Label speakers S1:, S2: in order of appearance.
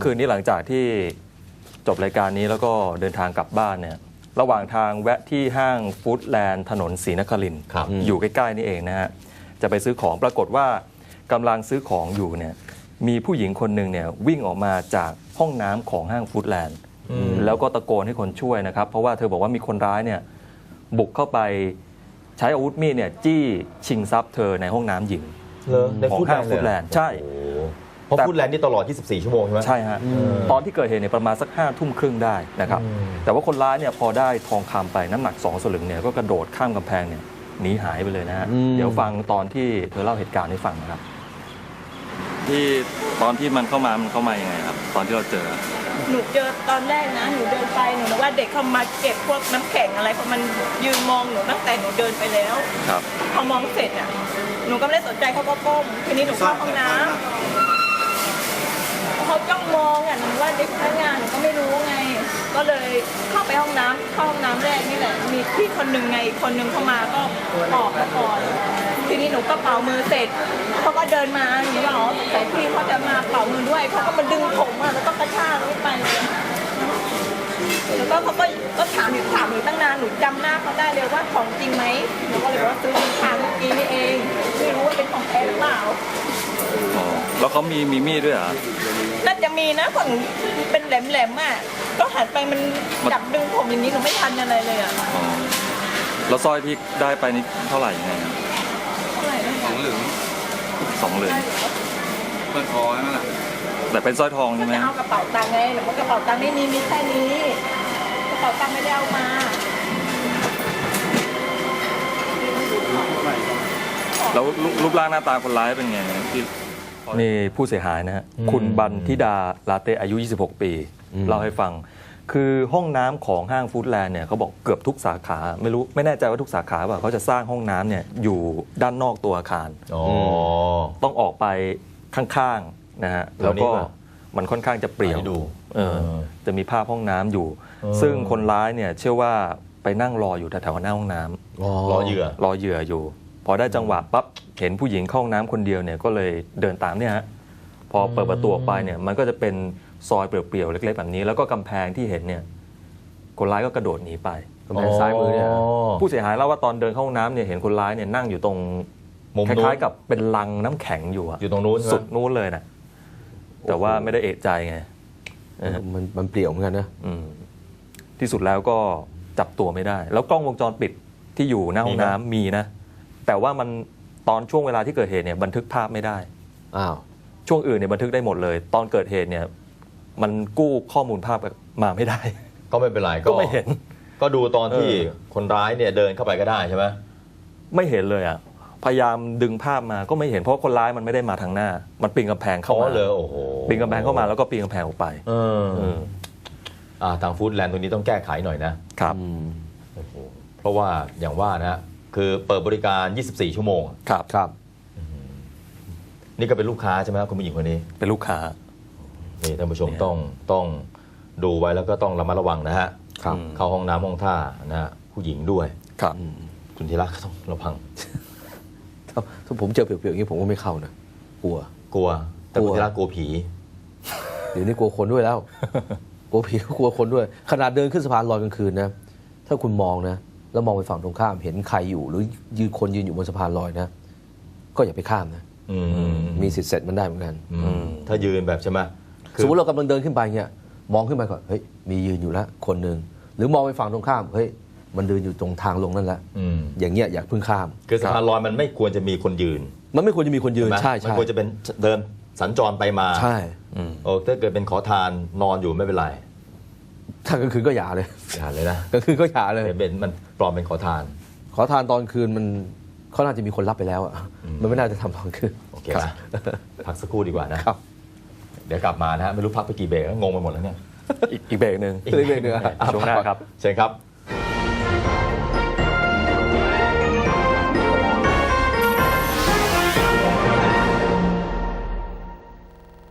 S1: คืนนี้หลังจากที่จบรายการนี้แล้วก็เดินทางกลับบ้านเนี่ยระหว่างทางแวะที่ห้างฟู้ดแลนด์ถนนศรีนครินทร์อยู่ใกล้ๆนี่เองนะฮะจะไปซื้อของปรากฏว่ากำลังซื้อของอยู่เนี่ยมีผู้หญิงคนหนึ่งเนี่ยวิ่งออกมาจากห้องน้ำของห้างฟู้ดแลนด์แล้วก็ตะโกนให้คนช่วยนะครับเพราะว่าเธอบอกว่ามีคนร้ายเนี่ยบุกเข้าไปใช้อาวุธมีดเนี่ยจี้ชิงทรัพย์เธอในห้องน้ำหญิงของห้างฟู้ดแลนด์ใช่
S2: เพราะฟู้ดแลนด์นี่ตลอด 24 ชั่วโมงใช่ไหม
S1: ใช่ฮะตอนที่เกิดเหตุเนี่ยประมาณสัก5 ทุ่มครึ่งได้นะครับแต่ว่าคนร้ายเนี่ยพอได้ทองคำไปน้ำหนัก2 สลึงเนี่ยก็กระโดดข้ามกำแพงเนี่ยหนีหายไปเลยนะฮะเดี๋ยวฟังตอนที่เธอเล่าเหตุการณ์ให้ฟังนะครับที่ตอนที่มันเข้ามายังไงครับตอนที่เราเจอ
S3: หนูเจอตอนแรกนะหนูเดินไปหนูนึกว่าเด็กเข้ามาเก็บพวกน้ำแข็งอะไรเพราะมันยืนมองหนูตั้งแต่หนูเดินไปแล้ว
S1: ครับ
S3: พอมองเสร็จอ่ะหนูก็ไม่ได้สนใจเขาก็ก้มทีนี้หนูเข้าห้องน้ำเขาจ้องมองอ่ะหนูว่าเด็กพนักงานหนูก็ไม่รู้ไงก็เลยเข้าไปห้องน้ำแรกนี่แหละมีพี่คนหนึ่งไงคนหนึ่งเข้ามาก็ออกมาก่อนทีนี้หนูก็เป่ามือเสร็จเขาก็เดินมาอย่างนี้หรอแต่พี่เขาจะมาเป่ามือด้วยเขาก็มาดึงผมอ่ะแล้วก็กระชากลงไปเลยแล้วก็เขาก็ถามหนูตั้งนานหนูจำหน้าเขาได้เลยว่าของจริงไหมหนูก็เลยบอกว่าซื้อทางเมื่อกี้นี่เองไม่รู้ว่าเป็นของแท้หรือเปล่า
S1: แล้วเขามีมีดด้วยเหรอ
S3: น่าจะมีนะของเป็นแหลมๆอ่ะก็หันไปมันจับดึงผมอย่างนี้หนูไม่ทันอะไรเลยอ่ะ
S1: แล้วสร้อยที่ได้ไปนี่เท่าไหร่ยังไง
S3: เท่าไหร่นะ
S1: 2 เหรียญ
S4: เปิดคอใช่ไหมล่ะ
S1: แต่เป็นสร้อยทองใช่ไหม
S3: จะเอากระเป๋าตังค์ไงหรือว่ากระเป๋าตังค์ไม่มีแค่นี้กระเป๋าตังค์ไม่ได้เอามา
S1: แล้วรูปร่างหน้าตาคนร้ายเป็นไงที่นี่ผู้เสียหายนะฮะคุณบันทิดาลาเตอายุ26 ปีเล่าให้ฟังคือห้องน้ำของห้างฟู้ดแลนด์เนี่ยเขาบอกเกือบทุกสาขาไม่แน่ใจว่าทุกสาขาป่ะเขาจะสร้างห้องน้ำเนี่ยอยู่ด้านนอกตัวอาคารต้องออกไปข้างๆนะฮะแล้วก็มันค่อนข้างจะเปลี่ยวจะมีภาพห้องน้ำอยู่ซึ่งคนร้ายเนี่ยเชื่อว่าไปนั่งรออยู่แถวๆหน้าห้องน้ำรอเหยื่ออยู่พอได้จังหวะปั๊บเห็นผู้หญิงเข้าห้องน้ำคนเดียวเนี่ยก็เลยเดินตามเนี่ยฮะพอเปิดประตูออกไปเนี่ยมันก็จะเป็นซอยเปลี่ยวๆเล็กๆแบบนี้แล้วก็กำแพงที่เห็นเนี่ยคนร้ายก็กระโดดหนีไปกำแพงซ้ายมือเนี่ยผู้เสียหายเล่าว่าตอนเดินเข้าห้องน้ำเนี่ยเห็นคนร้ายเนี่ยนั่งอยู่ตรงคล้ายๆกับเป็นลังน้ำแข็งอยู่
S2: ตรงนู้น
S1: สุดนู้นเลยนะแต่ว่าไม่ได้เอะใจไง
S5: มันเปลี่ยวเหมือนกันนะ
S1: ที่สุดแล้วก็จับตัวไม่ได้แล้วกล้องวงจรปิดที่อยู่หน้าห้องน้ำมีนะแต่ว่ามันตอนช่วงเวลาที่เกิดเหตุเนี่ยบันทึกภาพไม่ได้ช่วงอื่นเนี่ยบันทึกได้หมดเลยตอนเกิดเหตุเนี่ยมันกู้ข้อมูลภาพมาไม่ได้
S2: ก็ไม่เป็นไร
S1: ก็ไม่เห็น
S2: ก็ดูตอนที่คนร้ายเนี่ยเดินเข้าไปก็ได้ใช่ไหม
S1: ไม่เห็นเลยอ่ะพยายามดึงภาพมาก็ไม่เห็นเพราะคนร้ายมันไม่ได้มาทางหน้ามันปีนกำแพงเข้ามา
S2: เลยโอ้โห
S1: ปีนกำแพงเข้ามาแล้วก็ปีนกำแพงออกไป
S2: ทางฟู้ดแลนด์ตรงนี้ต้องแก้ไขหน่อยนะครับเพราะว่าอย่างว่านะคือเปิดบริการ24 ชั่วโมง
S1: ครับ
S2: นี่ก็เป็นลูกค้าใช่ไหมคุณผู้หญิงคนนี้
S1: เป็นลูกค้า
S2: นี่ท่านผู้ชมต้องดูไว้แล้วก็ต้องระมัดระวังนะฮะเข้าห้องน้ำห้องท่านะฮะผู้หญิงด้วย
S1: ครับ
S2: คุณธีระก็ต้องระวัง
S5: ถ้าผมเจอเปลี่ยวๆอย่างนี้ผมก็ไม่เข้านะกลัว
S2: แต่คุณธีระกลัวผี
S5: เดี๋ยวนี้กลัวคนด้วยแล้วกลัวผีก็กลัวคนด้วยขนาดเดินขึ้นสะพานลอยกลางคืนนะถ้าคุณมองนะแล้วมองไปฝั่งตรงข้ามเห็นใครอยู่หรือคนยืนอยู่บนสะพานลอยนะก็อย่าไปข้ามนะมีสิทธิ์เสร็จมันได้เหมือนกัน
S2: ถ้ายืนแบบใช่ไหม
S5: สมมติเรากำลังเดินขึ้นไปเนี่ยมองขึ้นไปก่อนเฮ้ยมียืนอยู่แล้วคนหนึ่งหรือมองไปฝั่งตรงข้ามเฮ้ยมันเดินอยู่ตรงทางลงนั่นแหละอย่างเงี้ยอย่าเพิ่งข้าม
S2: คือสะพานลอยมันไม่ควรจะมีคนยืน
S5: มันไม่ควรจะมีคนยืนใช่
S2: มันควรจะเป็นเดินสัญจรไปมา
S5: ใช่
S2: ถ้าเกิดเป็นขอทานนอนอยู่ไม่เป็นไร
S5: ถ้ากลางคืนก็อย่าเลย
S2: นะ
S5: กลางคืนก็อย่าเลย
S2: เป็นมันปลอมเป็นขอทาน
S5: ตอนคืนมันเขาน่าจะมีคนรับไปแล้วอ่ะมันไม่น่าจะทำตอนคืน
S2: โอเคนะพักสักครู่ดีกว่านะครับเดี๋ยวกลับมานะฮะไม่รู้พักไปกี่เบรกงงไปหมดแล้วเนี่ย
S1: อีกเบรกหนึ่ง
S2: ช่วงหน้าครับเชิญครับ